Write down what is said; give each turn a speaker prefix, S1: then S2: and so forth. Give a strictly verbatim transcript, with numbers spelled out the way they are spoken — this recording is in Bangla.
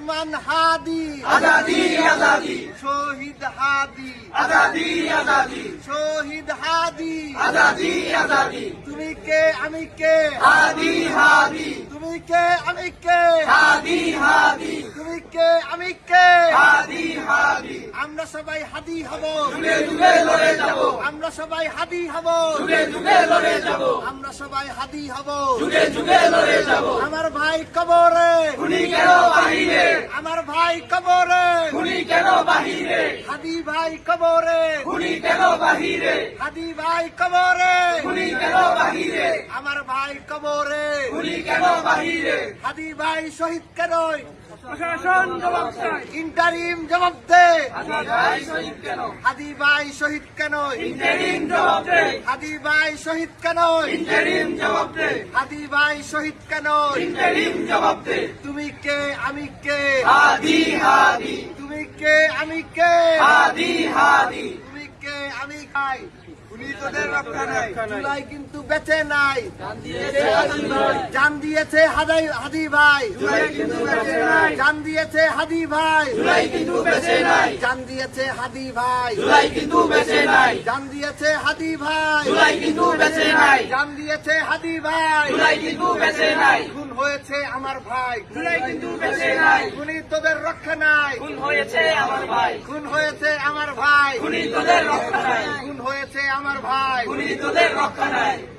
S1: ওসমান হাদি
S2: আজাদি আজাদি
S1: শহীদ হাদি
S2: আজাদি আজাদি
S1: শহীদ হাদি
S2: আজাদি আজাদি
S1: তুমি কে আমি কে
S2: হাদি হাদি
S1: তুমি কে আমি কে
S2: হাদি হাদি
S1: তুমি কে আমি কে
S2: হাদি হাদি
S1: আমরা সবাই হাদি হব
S2: যুগে যুগে লড়ে যাব
S1: আমরা সবাই হাদি হব
S2: যুগে যুগে লড়ে যাব
S1: আমরা সবাই হাদি হব
S2: যুগে যুগে লড়ে যাব
S1: আমার ভাই কবরে
S2: খুনি কেন বাহিরে
S1: আমার ভাই কবরে
S2: খুনি কেন বাহিরে
S1: হাদি ভাই কবরে
S2: খুনি কেন বাহিরে
S1: হাদি ভাই কবরে
S2: খুনি কেন বাহিরে
S1: আমার ভাই কবরে
S2: খুনি কেন বাহিরে
S1: হাদি ভাই শহীদ কেন
S2: প্রশাসন জবাব চাই
S1: ইন্টারিম জবাব দে
S2: হাদি ভাই শহীদ কেন
S1: হাদি ভাই শহীদ কেন
S2: ইন্টারিম জবাব দে
S1: হাদি ভাই শহীদ কেন
S2: ইন্টারিম জবাব দে
S1: হাদি ভাই শহীদ কেন
S2: ইন্টারিম জবাব দে
S1: তুমি কে আমি কে
S2: হাদি হাদি
S1: তুমি কে আমি কে
S2: হাদি হাদি
S1: তুমি কে আমি খাই
S2: খুনি তোদের রক্ষা নাই
S1: জুলাই কিন্তু বেঁচে নাই
S2: জান দিয়েছে হাদি ভাই
S1: জান দিয়েছে হাদি হাদি ভাই
S2: জুলাই কিন্তু বেঁচে নাই
S1: জান দিয়েছে হাদি ভাই
S2: জুলাই কিন্তু বেঁচে নাই
S1: জান দিয়েছে হাদি ভাই
S2: জুলাই কিন্তু বেঁচে নাই
S1: জান দিয়েছে হাদি ভাই
S2: জুলাই কিন্তু বেঁচে নাই
S1: জান দিয়েছে হাদি ভাই
S2: জুলাই কিন্তু বেঁচে নাই
S1: খুন হয়েছে আমার ভাই
S2: জুলাই কিন্তু বেঁচে নাই
S1: খুনি তোদের রক্ষা নাই
S2: খুন হয়েছে আমার ভাই
S1: খুন হয়েছে আমার ভাই
S2: খুনি তোদের রক্ষা নাই
S1: খুন হয়েছে আমার ভাই
S2: খুনি তোদের রক্ষা নাই